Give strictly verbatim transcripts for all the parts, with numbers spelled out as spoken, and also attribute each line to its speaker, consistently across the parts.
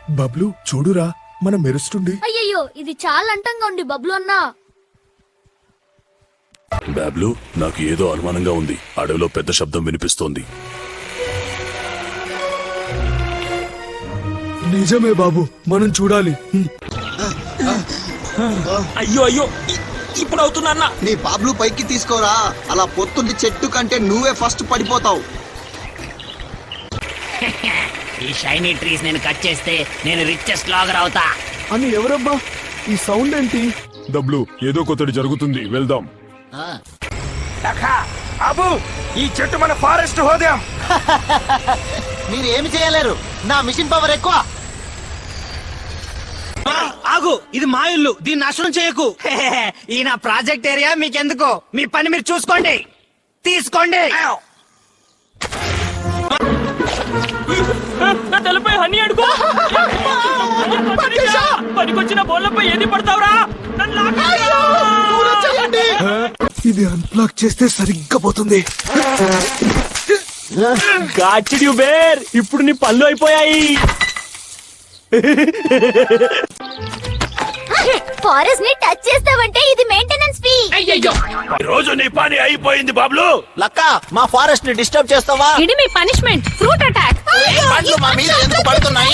Speaker 1: బబ్లు చూడురా మన మెరుస్తుంది.
Speaker 2: అయ్యయ్యో ఇది చాలా అంటంగా ఉంది బబ్లు అన్నా.
Speaker 3: బాబ్లు, నాకు ఏదో అనుమానంగా ఉంది. అడవిలో పెద్ద శబ్దం వినిపిస్తోంది.
Speaker 1: నిజమే బాబు, మనం చూడాలి.
Speaker 4: అయ్యో అయ్యో ఇప్పుడు అవుతున్నా.
Speaker 5: నీ బాబ్లు పైకి తీసుకోరా, అలా పొత్తుంది చెట్టు కంటే నువ్వే ఫస్ట్ పడిపోతావు.
Speaker 6: ఈ షైనీ ట్రీస్ నేను కట్ చేస్తే నేను రిచెస్ట్ లాగర్ అవుతా.
Speaker 1: అని ఎవరబ్బా ఈ సౌండ్ ఏంటి?
Speaker 3: డబ్లు, ఏదో కొత్తది జరుగుతుంది, వెళ్దాం.
Speaker 4: అబు, ఈ చెట్టు మన ఫారెస్ట్ హోదాం.
Speaker 5: మీరు ఏమి చేయలేరు, నా మిషన్ పవర్ ఎక్కువ.
Speaker 4: ఆగు, ఇది మా ఇల్లు, దీన్ని నాశనం చేయకు.
Speaker 6: ఈ నా ప్రాజెక్ట్ ఏరియా మీకెందుకు? మీ పని మీరు చూసుకోండి, తీసుకోండి.
Speaker 4: నా తలపై హనీ అడుగు. పనికొచ్చిన బోళ్ళపై ఏది పడతావురా?
Speaker 1: ఇది అన్ప్లాక్ చేస్తే సరిగ్గా పోతుంది.
Speaker 4: గాచిడి బేర్, ఇప్పుడు నీ పళ్ళు అయిపోయాయి.
Speaker 2: ఫారెస్ట్ ని టచ్ చేస్తావంటే ఇది మెయింటెనెన్స్ ఫీ.
Speaker 3: రోజు నీ పని అయిపోయింది బాబ్లు.
Speaker 5: లక్క, మా ఫారెస్ట్ ని డిస్టర్బ్ చేస్తావా?
Speaker 2: ఇది మీ పనిష్మెంట్, ఫ్రూట్ అటాక్.
Speaker 5: పండ్లు మా మీద ఎందుకు పడుతున్నాయి?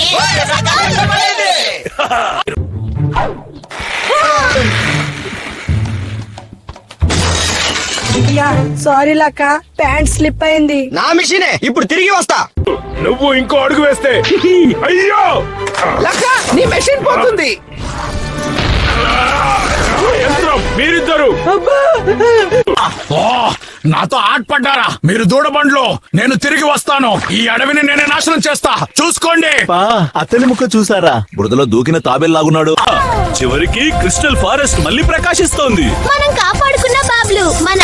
Speaker 7: సారీ లక్క, ప్యాంట్ స్లిప్ అయింది.
Speaker 4: నా మిషనే, ఇప్పుడు తిరిగి వస్తా.
Speaker 3: నువ్వు ఇంకో అడుగు వేస్తే అయ్యో
Speaker 4: లక్క, నీ మెషిన్ పోతుంది.
Speaker 3: యంత్రం, మీరిద్దరు నాతో ఆటపడ్డారా? మీరు దూడబండ్లో, నేను తిరిగి వస్తాను. ఈ అడవిని నేనే నాశనం చేస్తా, చూసుకోండి.
Speaker 8: అతని ముఖ చూసారా? బురదలో దూకిన తాబేల్లాగున్నాడు.
Speaker 3: చివరికి క్రిస్టల్ ఫారెస్ట్ మళ్ళీ ప్రకాశిస్తోంది.
Speaker 2: మనం కాపాడుకున్న బాబ్లు మన